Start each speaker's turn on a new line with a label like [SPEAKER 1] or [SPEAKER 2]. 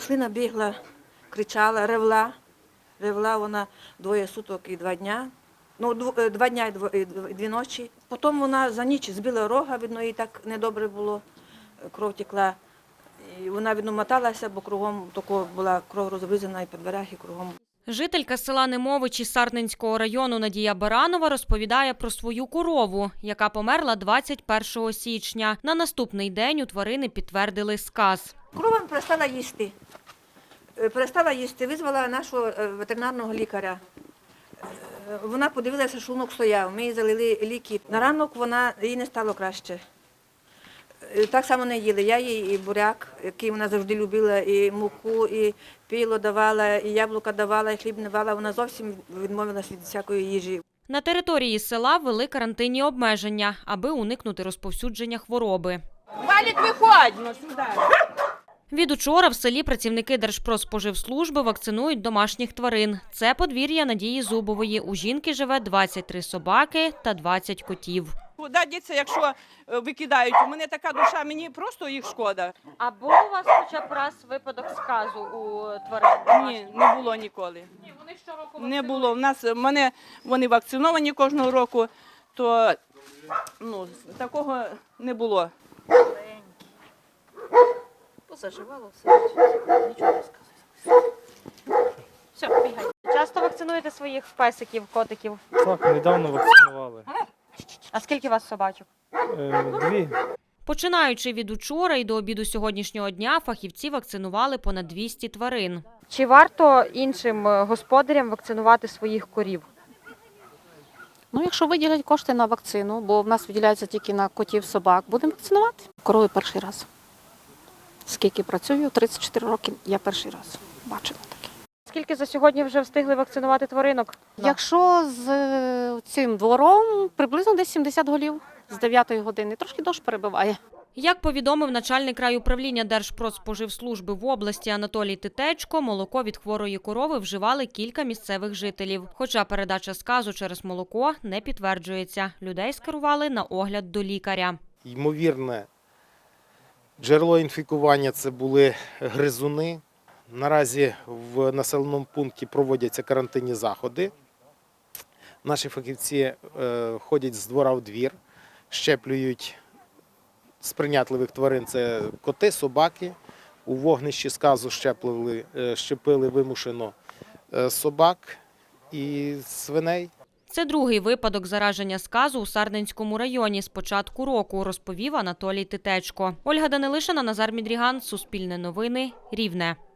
[SPEAKER 1] Маслина бігла, кричала, ревла вона 2 суток і 2 дня. Ну, 2 дня і 2 ночі. Потім вона за ніч збила рога, видно, їй так недобре було, кров текла. І вона, видно, моталася, бо кругом тако була кров розрізана і по дверях, і кругом.
[SPEAKER 2] Жителька села Немовичі Сарненського району Надія Баранова розповідає про свою корову, яка померла 21 січня. На наступний день у тварини підтвердили сказ.
[SPEAKER 1] Корова перестала їсти. Визвала нашого ветеринарного лікаря. Вона подивилася, що шлунок стояв. Ми їй залили ліки. На ранок їй не стало краще. Так само не їли. Я їй і буряк, який вона завжди любила, і муку, і пило давала, і яблука давала, і хліб не давала. Вона зовсім відмовилася від всякої їжі.
[SPEAKER 2] На території села ввели карантинні обмеження, аби уникнути розповсюдження хвороби.
[SPEAKER 3] Валік, виходь! Ну, сюди.
[SPEAKER 2] Від учора в селі працівники Держпродспоживслужби вакцинують домашніх тварин. Це подвір'я Надії Зубової. У жінки живе 23 собаки та 20 котів.
[SPEAKER 3] Куди діться, якщо викидають? У мене така душа, мені просто їх шкода.
[SPEAKER 2] А був у вас хоча б раз випадок сказу у тварин?
[SPEAKER 3] Ні, не було ніколи.
[SPEAKER 2] Ні, вони щороку
[SPEAKER 3] Не було. Вони вакциновані кожного року, то такого не було.
[SPEAKER 2] Позаживало все, нічого не сказати. Все, бігай. Часто вакцинуєте своїх песиків, котиків?
[SPEAKER 4] Так, недавно вакцинували.
[SPEAKER 2] А скільки у вас собачок?
[SPEAKER 4] 2.
[SPEAKER 2] Починаючи від учора і до обіду сьогоднішнього дня, фахівці вакцинували понад 200 тварин.
[SPEAKER 5] Чи варто іншим господарям вакцинувати своїх корів?
[SPEAKER 6] Ну, якщо виділять кошти на вакцину, бо в нас виділяються тільки на котів, собак, будемо вакцинувати. Корови перший раз. Скільки працюю, 34 роки, я перший раз бачила таке.
[SPEAKER 5] Скільки за сьогодні вже встигли вакцинувати тваринок?
[SPEAKER 6] Якщо з цим двором, приблизно десь 70 голів з 9 години. Трошки дощ перебиває.
[SPEAKER 2] Як повідомив начальник райуправління Держпродспоживслужби в області Анатолій Титечко, молоко від хворої корови вживали кілька місцевих жителів. Хоча передача сказу через молоко не підтверджується. Людей скерували на огляд до лікаря.
[SPEAKER 7] Ймовірне джерело інфікування – це були гризуни. Наразі в населеному пункті проводяться карантинні заходи. Наші фахівці ходять з двора в двір, щеплюють сприйнятливих тварин – це коти, собаки. У вогнищі сказу щепили вимушено собак і свиней.
[SPEAKER 2] Це другий випадок зараження сказу у Сарненському районі з початку року, розповів Анатолій Титечко. Ольга Данилишина, Назар Мідріган, Суспільне новини, Рівне.